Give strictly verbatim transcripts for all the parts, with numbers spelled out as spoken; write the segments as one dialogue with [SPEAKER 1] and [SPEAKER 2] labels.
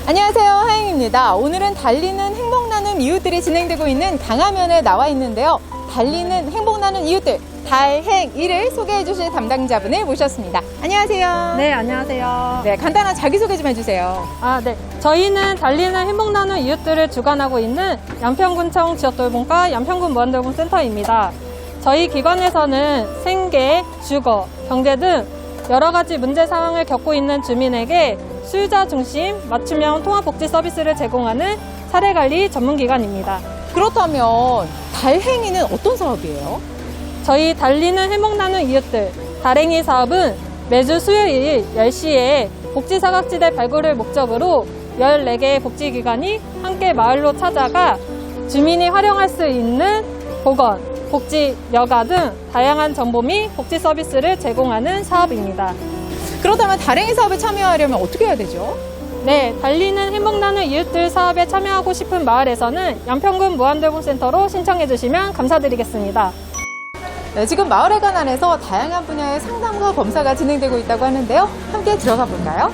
[SPEAKER 1] 안녕하세요, 하영입니다. 오늘은 달리는 행복 나눔 이웃들이 진행되고 있는 강화면에 나와 있는데요. 달리는 행복 나눔 이웃들 달행이를 소개해 주실 담당자분을 모셨습니다. 안녕하세요.
[SPEAKER 2] 네, 안녕하세요.
[SPEAKER 1] 네, 간단한 자기소개 좀 해주세요.
[SPEAKER 2] 아, 네. 저희는 달리는 행복 나눔 이웃들을 주관하고 있는 양평군청 지역돌봄과 양평군 무한돌봄센터입니다. 저희 기관에서는 생계, 주거, 경제 등 여러 가지 문제 상황을 겪고 있는 주민에게 수요자 중심 맞춤형 통합복지 서비스를 제공하는 사례관리 전문기관입니다.
[SPEAKER 1] 그렇다면 달행이는 어떤 사업이에요?
[SPEAKER 2] 저희 달리는 행복 나눔 이웃들 달행이 사업은 매주 수요일 열 시에 복지사각지대 발굴을 목적으로 열네 개의 복지기관이 함께 마을로 찾아가 주민이 활용할 수 있는 보건, 복지, 여가 등 다양한 정보 및 복지 서비스를 제공하는 사업입니다.
[SPEAKER 1] 그렇다면 달행이 사업에 참여하려면 어떻게 해야 되죠?
[SPEAKER 2] 네, 달리는 행복 나눔 이웃들 사업에 참여하고 싶은 마을에서는 양평군 무한돌봄센터로 신청해 주시면 감사드리겠습니다.
[SPEAKER 1] 네, 지금 마을회관 안에서 다양한 분야의 상담과 검사가 진행되고 있다고 하는데요. 함께 들어가 볼까요?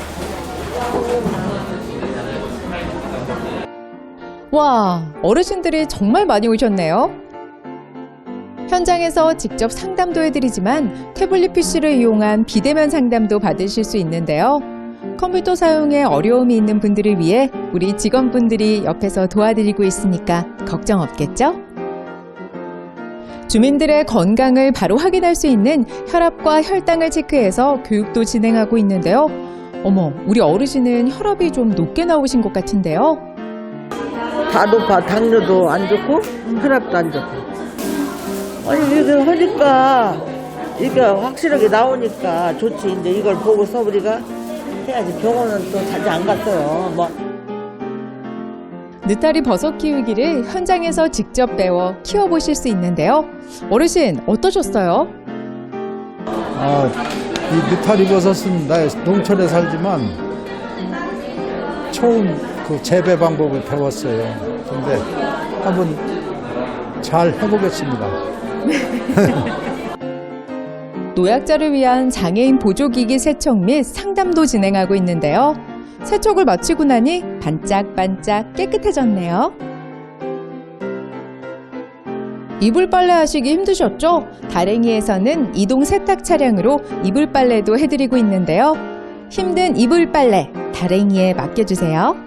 [SPEAKER 1] 와, 어르신들이 정말 많이 오셨네요. 현장에서 직접 상담도 해드리지만 태블릿 피시를 이용한 비대면 상담도 받으실 수 있는데요. 컴퓨터 사용에 어려움이 있는 분들을 위해 우리 직원분들이 옆에서 도와드리고 있으니까 걱정 없겠죠? 주민들의 건강을 바로 확인할 수 있는 혈압과 혈당을 체크해서 교육도 진행하고 있는데요. 어머, 우리 어르신은 혈압이 좀 높게 나오신 것 같은데요.
[SPEAKER 3] 다 높아. 당뇨도 안 좋고 혈압도 안 좋고. 아니 이거 하니까 이게 확실하게 나오니까 좋지. 이제 이걸 보고서 우리가 해야지. 병원은 또 자주 안 갔어요. 뭐.
[SPEAKER 1] 느타리 버섯 키우기를 현장에서 직접 배워 키워보실 수 있는데요. 어르신 어떠셨어요?
[SPEAKER 4] 아, 이 느타리 버섯은 나 농촌에 살지만 처음 그 재배 방법을 배웠어요. 근데 한번 잘 해보겠습니다.
[SPEAKER 1] 노약자를 위한 장애인 보조기기 세척 및 상담도 진행하고 있는데요. 세척을 마치고 나니 반짝반짝 깨끗해졌네요. 이불 빨래 하시기 힘드셨죠? 달행이에서는 이동 세탁 차량으로 이불 빨래도 해드리고 있는데요. 힘든 이불 빨래 달행이에 맡겨주세요.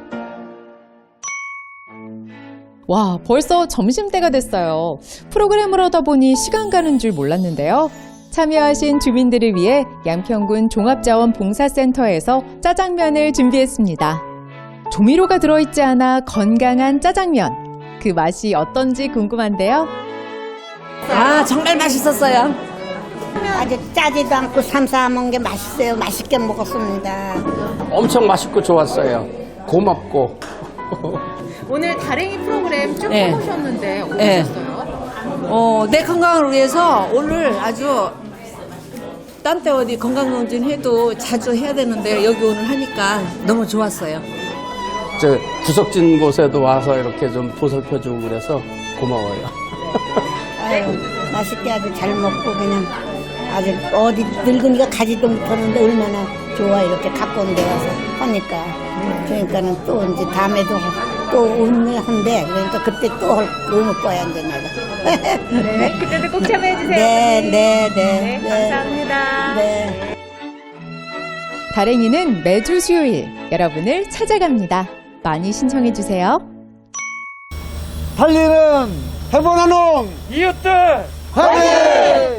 [SPEAKER 1] 와, 벌써 점심때가 됐어요. 프로그램을 하다 보니 시간 가는 줄 몰랐는데요. 참여하신 주민들을 위해 양평군 종합자원봉사센터에서 짜장면을 준비했습니다. 조미료가 들어있지 않아 건강한 짜장면. 그 맛이 어떤지 궁금한데요.
[SPEAKER 5] 아, 정말 맛있었어요.
[SPEAKER 6] 아주 짜지도 않고 삼삼한 게 맛있어요. 맛있게 먹었습니다.
[SPEAKER 7] 엄청 맛있고 좋았어요. 고맙고.
[SPEAKER 1] 오늘 달행이 프로그램 쭉
[SPEAKER 5] 네.
[SPEAKER 1] 해보셨는데
[SPEAKER 5] 네.
[SPEAKER 1] 어떠셨어요?
[SPEAKER 5] 어, 내 건강을 위해서 오늘 아주 딴 때 어디 건강검진 해도 자주 해야 되는데 여기 오늘 하니까 너무 좋았어요.
[SPEAKER 7] 저 구석진 곳에도 와서 이렇게 좀 보살펴주고 그래서 고마워요.
[SPEAKER 6] 아유, 맛있게 아주 잘 먹고 그냥 아주 어디 늙은이가 가지도 못하는데 얼마나 좋아 이렇게 가까운 데 와서 하니까. 그러니까는 또 이제 다음에도 또 오늘 한대. 그러니까 그때 또 올 거야 이제 내가.
[SPEAKER 1] 네, 그때도 꼭 참여해주세요.
[SPEAKER 6] 네, 네, 네,
[SPEAKER 1] 네,
[SPEAKER 6] 네.
[SPEAKER 1] 감사합니다.
[SPEAKER 6] 네.
[SPEAKER 1] 달행이는 매주 수요일 여러분을 찾아갑니다. 많이 신청해주세요.
[SPEAKER 4] 달리는 해보나농
[SPEAKER 7] 이웃들!
[SPEAKER 4] 화이팅!